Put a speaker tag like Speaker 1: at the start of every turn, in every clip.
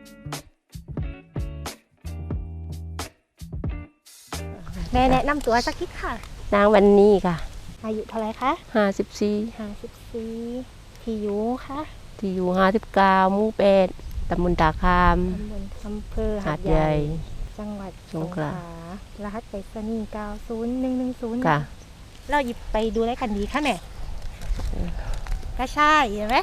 Speaker 1: แม่แนะนำตัวสักนิดค่ะ
Speaker 2: นางวันนี้ค่ะ
Speaker 1: อายุเท่าไรคะ
Speaker 2: 54
Speaker 1: ที่อยู่ค่ะ
Speaker 2: ที่อยู่59หมู่8ตำบลตาคาม
Speaker 1: ตำบลอำเภอหาดใหญ่จังหวัดสงขลารหัสไปรษณีย์90110
Speaker 2: ค่ะ
Speaker 1: เราหยิบไปดูได้กันดีค่ะแม่ก็ใช่เห็นไหม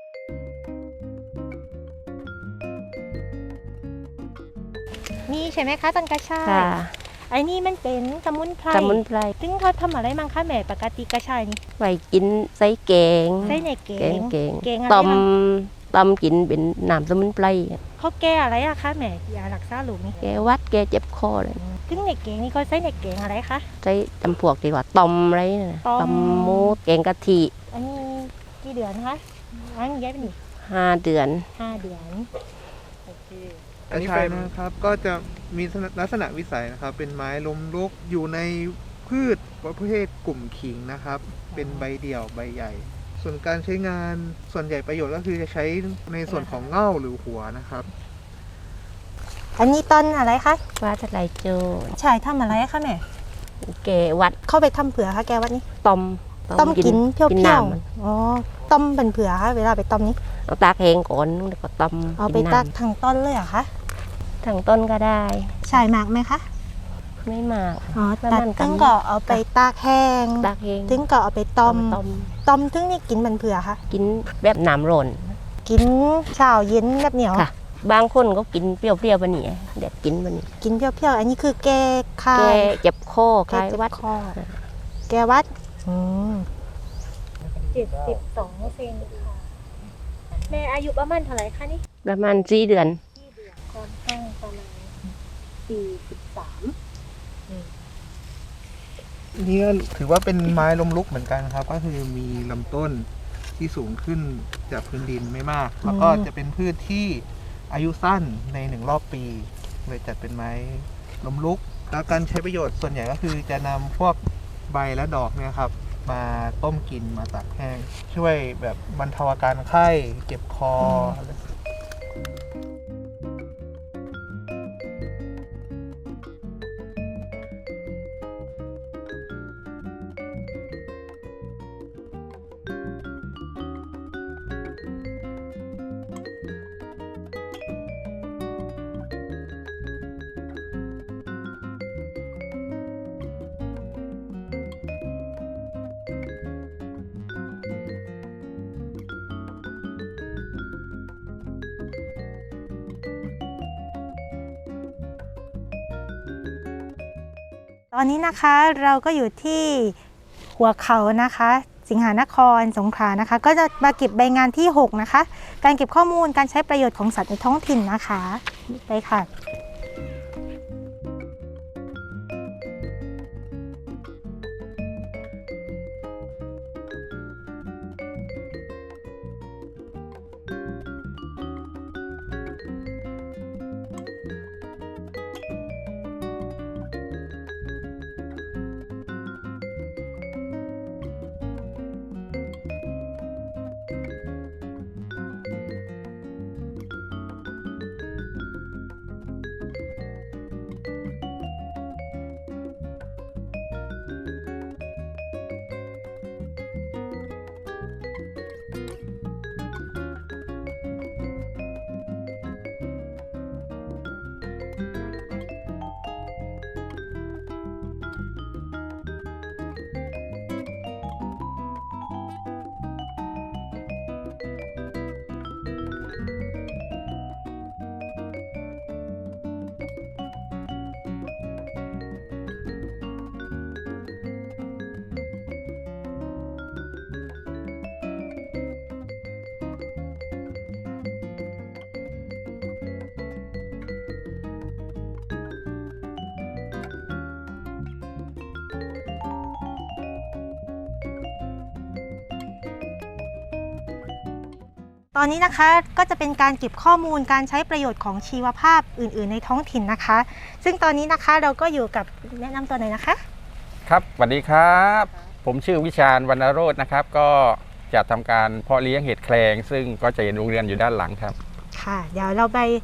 Speaker 1: นี่ใช่ไหมคะต้นกระชาย
Speaker 2: ค่ะ
Speaker 1: ไอ้นี่มันเป็นสมุนไพรซึ่งเขาทำอะไรมั้งคะแม่ปกติกระชายนี่
Speaker 2: ไว้กินใส่แกง
Speaker 1: ใส่ในแกงอะไร
Speaker 2: ต้มกินเป็นน้ำสมุนไพร
Speaker 1: เขาแก้อะไรอะคะแม่ยารักษาโรคนี่
Speaker 2: แกวัดแกเจ็บคอเลย
Speaker 1: ซึ่งในแกงนี่เขาใส่ในแกงอะไรคะ
Speaker 2: ใส่จำพวกดีกว่าต้มอะไรนะต้มหมูแกงกะทิ
Speaker 1: อันนี้กี่เดือนคะอันนี้ย้ายไปนี่
Speaker 2: 5 เดือน
Speaker 1: โอเค
Speaker 3: อันนี้เป็นนะครับก็จะมีลักษณะวิสัยนะครับเป็นไม้ล้มลุกอยู่ในพืชประเภทกลุ่มขิงนะครับเป็นใบเดี่ยวใบใหญ่ ส่วนการใช้งานส่วนใหญ่ประโยชน์ก็คือจะใช้ในส่วนของเง่าหรือหัวนะครับ
Speaker 1: อันนี้ต้นอะไรคะ
Speaker 2: ว่าทะไลโจ
Speaker 1: ใช่ทำอะไรคะแม่
Speaker 2: แกวัด
Speaker 1: เข้าไปทำเผือคะแกวัดนี้
Speaker 2: ต้ม
Speaker 1: กินเพียวๆอ๋อต้มเป็นเผือคะเวลาไปต้มนี้
Speaker 2: เอาตากแห้งก่อนแล้วก็ต้ม
Speaker 1: เอาไปตากทางต้นเลยเหรอคะ
Speaker 2: ทางต้นก็ได้
Speaker 1: ใช่มากไหมคะ
Speaker 2: ไม่มาก
Speaker 1: อ๋อตัดตึ้งก็เอาไปตากแห้งตึ้งก็เอาไปต้มตึ้งนี่กินเป็นเผือคะ
Speaker 2: กินแบบน้ำร้อน
Speaker 1: กินเช้าเย็นแบบเหนียว
Speaker 2: ค่ะบางคนก็กินเปรี้ยวๆบะนี่เด็ดกินบะนี่
Speaker 1: กินเปรี้ยวๆอันนี้คือแก้คา
Speaker 2: ยเจ็บคอคลายวัด
Speaker 1: แก้วัด72 เซนค่ะแม่อายุประมาณเท่าไหร่คะนี่
Speaker 2: ประมาณ4 เดือน
Speaker 1: ความตั้งประมาณ43
Speaker 3: นี่ก็ถือว่าเป็นไม้ล้มลุกเหมือนกันครับก็คือมีลำต้นที่สูงขึ้นจากพื้นดินไม่มากแล้วก็จะเป็นพืชที่อายุสั้นใน1 รอบปีเลยจัดเป็นไม้ล้มลุกแล้วการใช้ประโยชน์ส่วนใหญ่ก็คือจะนำพวกใบและดอกเนี่ยครับมาต้มกินมาตากแห้งช่วยแบบบรรเทาอาการไข้เจ็บคอ
Speaker 1: ตอนนี้นะคะเราก็อยู่ที่หัวเขานะคะสิงหนครสงขลานะคะก็จะมาเก็บใบงานที่6นะคะการเก็บข้อมูลการใช้ประโยชน์ของสัตว์ในท้องถิ่นนะคะไปค่ะตอนนี้นะคะก็จะเป็นการเก็บข้อมูลการใช้ประโยชน์ของชีวภาพอื่นๆในท้องถิ่นนะคะซึ่งตอนนี้นะคะเราก็อยู่กับแนะนำตัวหน่อยนะคะ
Speaker 4: ครับสวัสดีครับผมชื่อวิชาญวรรณโรจน์นะครับก็จะทำการเพาะเลี้ยงเห็ดแคลงซึ่งก็จะเห็นโรงเรือนอยู่ด้านหลังครับ
Speaker 1: ค่ะเดี๋ยวเราไป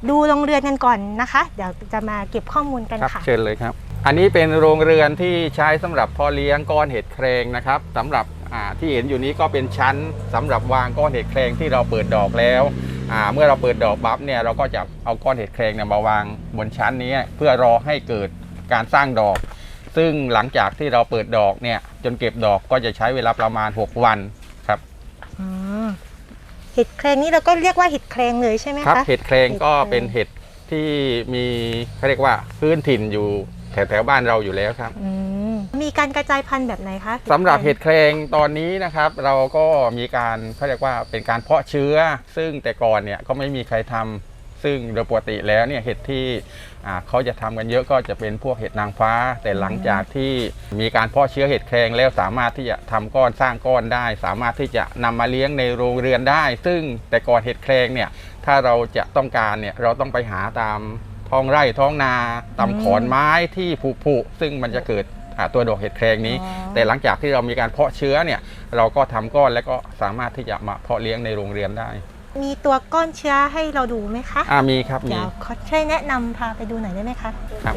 Speaker 1: ดูโรงเรือนกันก่อนนะคะ เดี๋ยวจะมาเก็บข้อมูลกัน
Speaker 4: ครับ
Speaker 1: ค่ะ
Speaker 4: เชิญเลยครับ อันนี้เป็นโรงเรือนที่ใช้สำหรับเพาะเลี้ยงก้อนเห็ดแครงนะครับสำหรับที่เห็นอยู่นี้ก็เป็นชั้นสำหรับวางก้อนเห็ดแครงที่เราเปิดดอกแล้วเมื่อเราเปิดดอกบัฟเนี่ยเราก็จะเอาก้อนเห็ดแครงเนี่ยมาวางบนชั้นนี้เพื่อรอให้เกิดการสร้างดอก ซึ่งหลังจากที่เราเปิดดอกเนี่ยจนเก็บดอกก็จะใช้เวลาประมาณ6 วันครับ
Speaker 1: อืมเห็ดแครงนี่เราก็เรียกว่าเห็ดแครงเลยใช่ไหม
Speaker 4: ครับ
Speaker 1: คะ
Speaker 4: เห็ดแครงก็เป็นเห็ดที่มีเขาเรียกว่าพื้นถิ่นอยู่แถวๆบ้านเราอยู่แล้วครับ
Speaker 1: อืมมีการกระจายพันธุ์แบบไหนคะ
Speaker 4: สำหรับเห็ดแครงตอนนี้นะครับเราก็มีการเขาเรียกว่าเป็นการเพาะเชื้อ ซึ่งแต่ก่อนเนี่ยก็ไม่มีใครทำซึ่งโดยปกติแล้วเนี่ยเห็ดที่เขาจะทำกันเยอะก็จะเป็นพวกเห็ดนางฟ้า แต่หลังจากที่มีการเพาะเชื้อเห็ดแครงแล้วสามารถที่จะทำก้อนสร้างก้อนได้ สามารถที่จะนำมาเลี้ยงในโรงเรือนได้ ซึ่งแต่ก่อนเห็ดแครงเนี่ยถ้าเราจะต้องการเนี่ยเราต้องไปหาตามท้องไร่ท้องนาตามขอนไม้ที่ผุๆซึ่งมันจะเกิดตัวดอกเห็ดแครงนี้ แต่หลังจากที่เรามีการเพาะเชื้อเนี่ยเราก็ทำก้อนแล้วก็สามารถที่จะมาเพาะเลี้ยงในโรงเรือนได้
Speaker 1: มีตัวก้อนเชื้อให้เราดูไหมคะ
Speaker 4: มีครับมี
Speaker 1: เดี๋ยวขอช่วยแนะนำพาไปดูหน่อยได้ไหมคะ
Speaker 4: ครับ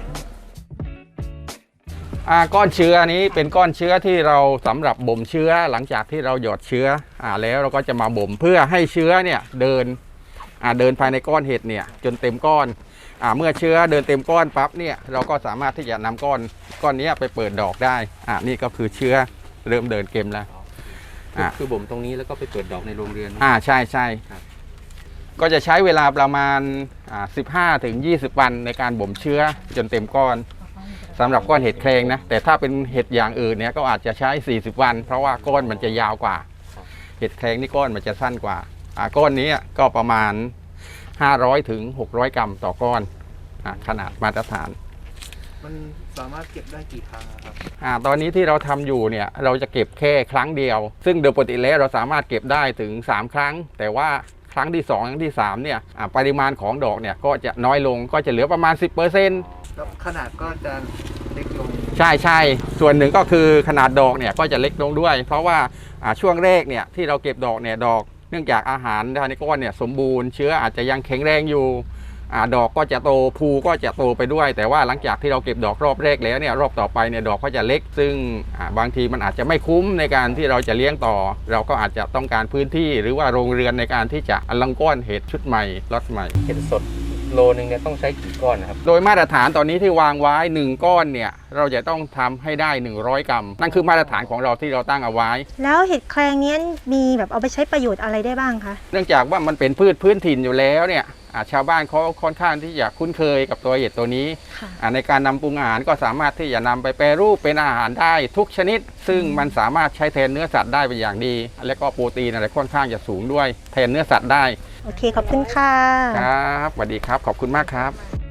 Speaker 4: ก้อนเชื้อนี้เป็นก้อนเชื้อที่เราสำหรับบ่มเชื้อหลังจากที่เราหยอดเชื้อแล้วเราก็จะมาบ่มเพื่อให้เชื้อเนี่ยเดินภายในก้อนเห็ดเนี่ยจนเต็มก้อนเมื่อเชื้อเดินเต็มก้อนปั๊บเนี่ยเราก็สามารถที่จะนำก้อนนี้ไปเปิดดอกได้นี่ก็คือเชื้อเริ่มเดินเกมแล้ว
Speaker 5: คือบ่มตรงนี้แล้วก็ไปเปิดดอกในโรงเรือน
Speaker 4: ใช่ใช่
Speaker 5: ครับ
Speaker 4: ก็จะใช้เวลาประมาณ15 ถึง 20 วันในการบ่มเชื้อจนเต็มก้อนสำหรับก้อนเห็ดแครงนะแต่ถ้าเป็นเห็ดอย่างอื่นเนี่ยก็อาจจะใช้40 วัน เพราะว่าก้อนมันจะยาวกว่าเห็ดแครงนี่ก้อนมันจะสั้นกว่าก้อนนี้ก็ประมาณ500 ถึง 600 กรัมต่อก้อนขนาดมาตรฐาน
Speaker 3: มันสามารถเก็บได้กี่ครั้งครับ
Speaker 4: ตอนนี้ที่เราทำอยู่เนี่ยเราจะเก็บแค่ครั้งเดียว ซึ่งโดยปกติแล้วเราสามารถเก็บได้ถึง3 ครั้ง แต่ว่าครั้งที่2ครั้งที่3เนี่ยปริมาณของดอกเนี่ยก็จะน้อยลงก็จะเหลือประมาณ 10%
Speaker 3: แล้วขนาดก็จะเล็กลง
Speaker 4: ใช่ใช่ส่วนหนึ่งก็คือขนาดดอกเนี่ยก็จะเล็กลงด้วย เพราะว่าช่วงแรกเนี่ยที่เราเก็บดอกเนี่ยดอกเนื่องจากอาหารภายในก้อนเนี่ยสมบูรณ์เชื้ออาจจะยังแข็งแรงอยู่ดอกก็จะโตภูก็จะโตไปด้วย แต่ว่าหลังจากที่เราเก็บดอกรอบแรกแล้วเนี่ยรอบต่อไปเนี่ยดอกก็จะเล็ก ซึ่งบางทีมันอาจจะไม่คุ้มในการที่เราจะเลี้ยงต่อ เราก็อาจจะต้องการพื้นที่หรือว่าโรงเรือนในการที่จะลังก้อนเห็ดชุดใหม่ล็อตใหม่
Speaker 5: เห็ดสดโลนึงเนี่ยต้องใช้กี่ก้อนนะครับ
Speaker 4: โดยมาตรฐานตอนนี้ที่วางไว้1ก้อนเนี่ยเราจะต้องทำให้ได้100 กรัมนั่นคือมาตรฐานของเราที่เราตั้งเอาไว้
Speaker 1: แล้วเห็ดแครงนี้มีแบบเอาไปใช้ประโยชน์อะไรได้บ้างคะ
Speaker 4: เนื่องจากว่ามันเป็นพืชพื้นถิ่นอยู่แล้วเนี่ยชาวบ้านเขาค่อนข้างที่จะคุ้นเคยกับตัวเห็ดตัวนี้ในการนำปรุงอาหารก็สามารถที่จะนำไปแปรรูปเป็นอาหารได้ทุกชนิด ซึ่งมันสามารถใช้แทนเนื้อสัตว์ได้เป็นอย่างดี และก็โปรตีนอะไรค่อนข้างจะสูงด้วยแทนเนื้อสัตว์ได้
Speaker 1: โอเคขอบคุณค่ะ
Speaker 4: ครับสวัสดีครับขอบคุณมากครับ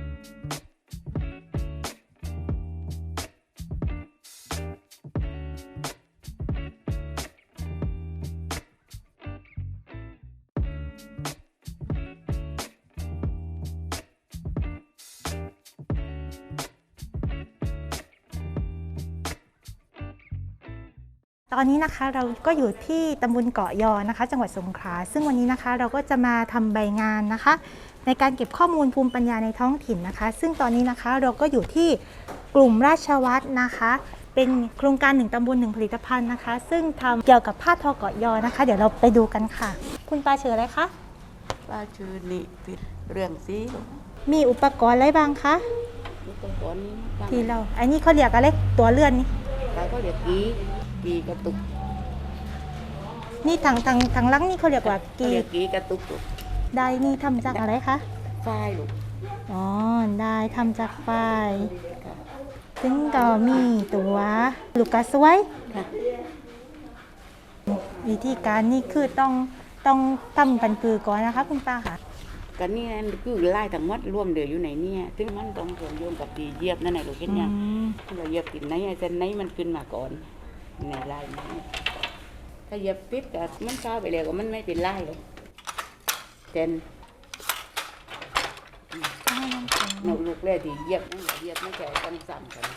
Speaker 1: ตอนนี้นะคะเราก็อยู่ที่ตำบลเกาะยอนะคะ จังหวัดสงขลาซึ่งวันนี้นะคะเราก็จะมาทำใบงานนะคะ ในการเก็บข้อมูลภูมิปัญญาในท้องถิ่นนะคะ ซึ่งตอนนี้นะคะเราก็อยู่ที่กลุ่มราชวัฒน์นะคะ เป็นโครงการ1 ตำบล 1 ผลิตภัณฑ์นะคะ ซึ่งทำเกี่ยวกับผ้าทอเกาะยอนะคะ เดี๋ยวเราไปดูกันค่ะ คุณปาชื่ออะไรคะ
Speaker 6: ป้าชื่อนิติเรื่องสี
Speaker 1: มีอุปกรณ์อะไรบ้างคะ
Speaker 6: อุปกรณ์นี้นะ
Speaker 1: ที่เราอันนี้เขาเรียกอะไรตัวเลื่อนนี่
Speaker 6: ป้าก็เรียกกีกระตุก
Speaker 1: นี่ทางลังนี่เขาเรียกว่า
Speaker 6: เขา
Speaker 1: กี
Speaker 6: เรียกกีกระตุกลูก
Speaker 1: ได้นี่ทำจากอะไรคะ
Speaker 6: ฝ้ายลูก
Speaker 1: อ๋อได้ทำจากฝ้ายซึ่งก็มีตัวลูกกระสวย
Speaker 6: ค่ะ
Speaker 1: วิธีการนี่คือต้องทำกันคือก่อนนะคะคุณป้าค่ะ
Speaker 6: กันนี่นั่นคือไล่ทั้งหมดรวมเดืออยู่ในเนี่ยถึงมันต้องผลโยงกับตีเหยียบนั่นแหละลูกเห็นยังเราเหยียบติดไหนไอ้เส้นไหนมันขึ้นมาก่อนในไล่นี้ถ้าเหยียบปิดแต่มันเข้าไปแล้วก็มันไม่เป็นไล่เลยเจนหนูลูกเล่ที่เหยียบนั่นแหละเหยียบไม่แก่กันสั่นกัน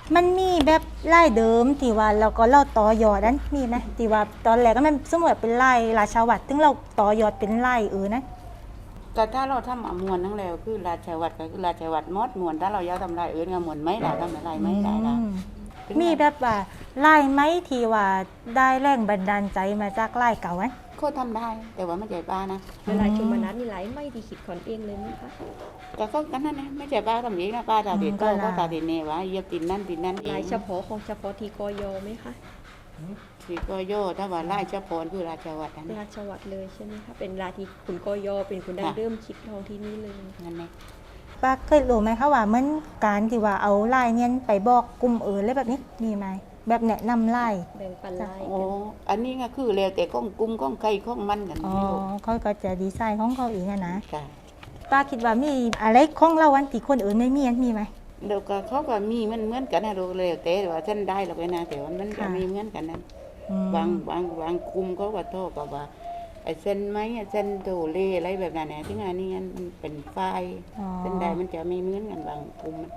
Speaker 1: มันมีแบบไล่เดิมที่ว่าเราก็เล่าต่อยอดนั้นมีไหมที่ว่าตอนแรกก็มันสมมติว่าเป็นไล่ราชาวัตรถึงเราต่อยอดเป็นไล่นะ
Speaker 6: แต่ถ้าเราทำมวนทั้งแล้วคือราชวัตรก็คือราชวัตรมดมวนถ้าเราอยากทำลายอื่นก็มวนไม่ได้ทำอะไรไม่ได้ละ
Speaker 1: มีแบบว่าไล่ไหมที่ว่าได้แรงบันดาลใจมาจากไล่เก่าไหม
Speaker 6: เขาทำได้ แต่ว่าไม่ใช่ป้านะ
Speaker 7: เวลาชุมนัดนี่ไหลไม่ที่คิดคนเองเลยไหมคะ
Speaker 6: แต่ก็กันนั่นนะไม่ใช่ป้าทำเองนะป้าตาเด็นก็ตาเด็นเน่ว่าเยียบตินนั่นตินนั่นเอ
Speaker 7: ลาย
Speaker 6: ง
Speaker 7: เฉพาะของเฉพาะที่กยไหมคะ
Speaker 6: ที่ก็โย่ถ้าว่าไล่เจ้าพรคือราชวัตรนั่น
Speaker 7: ราชวัตรเลยใช่ไหมคะเป็นราที่คุณกยเป็นคุณได้เริ่มคิดทองที่นี่เลย
Speaker 6: นั่นเอง
Speaker 1: ป้าเคยรู้ไหมคะว่าเหมือนการที่ว่าเอาไล่เนี่ยไปบอกกลุ่มอื่นอะไรแบบนี้มีไหมแบบแนะนำไล่
Speaker 7: แบ่งปันลาย
Speaker 6: โอ้อันนี้ก็คือแล้วแต่ก้องกุ้มก้องไก่ก้องมันกัน
Speaker 1: อ๋อ
Speaker 6: ไม่รู้
Speaker 1: เขาก็จะดีไซน์ของเขาเองอะนะ
Speaker 6: ค่ะ
Speaker 1: ป้าคิดว่ามีอะไรของเราวันที่คนอื่นไม่มีอันมีไหม
Speaker 6: เดี๋ยวก็เขาก็มีมันเหมือนกันนะเราแล้วแต่ว่าฉันได้หรอกนะแต่ว่ามันก็
Speaker 1: ค่ะ
Speaker 6: มีเหมือนกันนั้น
Speaker 1: อืม
Speaker 6: บางคุมเขาก็โทษกับว่าไอ้เส้นไม้เส้นโดเลอะไรแบบนั้นนะที่งานนี้มันเป็นไฟ
Speaker 1: อ๋อ
Speaker 6: เส้นใดมันจะไม่เหมือนกันบางคุมมัน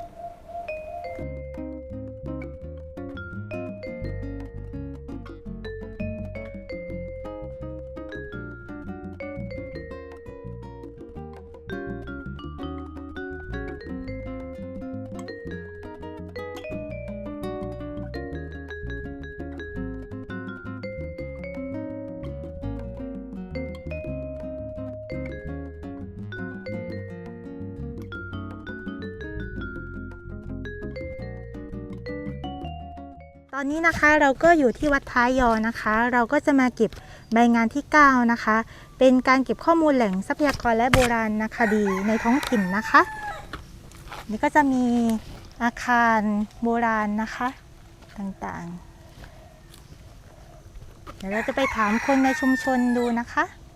Speaker 1: ตอนนี้นะคะเราก็อยู่ที่วัดท้ายยอนะคะ เราก็จะมาเก็บใบงานที่ 9 นะคะ เป็นการเก็บข้อมูลแหล่งทรัพยากรและโบราณคดีในท้องถิ่นนะคะ นี่ก็จะมีอาคารโบราณนะคะต่างๆ เดี๋ยวเราจะไปถามคนในชุมชนดูนะคะ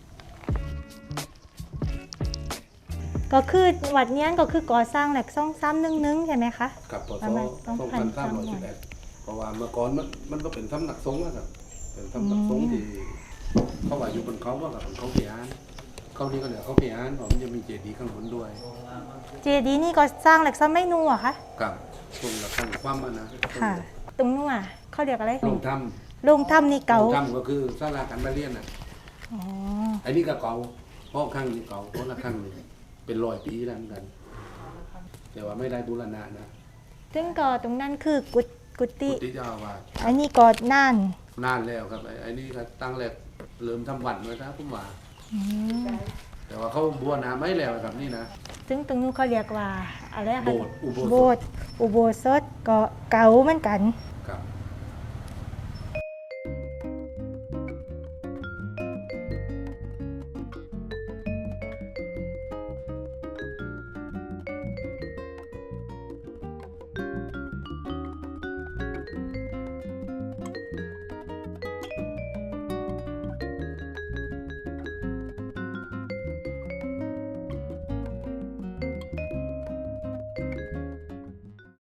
Speaker 1: ก็คือวัดเนี้ยก็คือก่อสร้างแหลกซ่องซ้ำนึ่งๆใช่ไหมคะ
Speaker 8: กับป
Speaker 1: ป
Speaker 8: ศ
Speaker 1: ระมาณ
Speaker 8: 2311เพราะว่าเมื่อก่อนมันก็เป็นสำนักสงฆ์อะครับเป็นสำนักสงฆ์ที่เขาว่าอยู่บนเขาว่ากับเขาเพียนเขานี่ก็เหลือเขาเพียนเพราะมันจะมีเจดีย์ข้างบนด้วย
Speaker 1: เจดีย์นี่ก็สร้างแหลกซ่อมไม่นัวค่ะ
Speaker 8: กับตรงหลักข้างความอะนะ
Speaker 1: ค่ะ ตรงนู้นอ่ะเขาเรียกอะไร
Speaker 8: ลงถ้
Speaker 1: โรงถ้ำนี่
Speaker 8: ำล
Speaker 1: เก่า
Speaker 8: งถ้ำก็คือศาลาการประเรียนอ่ะ
Speaker 1: อ๋อ
Speaker 8: อันนี้ก็เก่าห้องข้างนี้เก่าห้องละข้างหนึงเป็น100 ปีแล้วเหมือนกัน แต่ว่าไม่ได้บูรณะนะ
Speaker 1: ซึ่งก็ตรงนั้นคือกุฏิ
Speaker 8: พุทธิเจ้าอาวาส
Speaker 1: อันนี้ก็น่าน
Speaker 8: นานแล้วครับไอ้นี่ก็ตั้งแรกเริ่มทำวัดมาครับผมว่า
Speaker 1: อืม
Speaker 8: แต่ว่าเขาบูรณะไม่แล้วครับนี่นะ
Speaker 1: ซึ่งตรงนู้นเขาเรียกว่าอะไรอะคะ
Speaker 8: โบสถ์อุโบสถ
Speaker 1: โบสถ์อุโบสถก็เก่าเหมือนกัน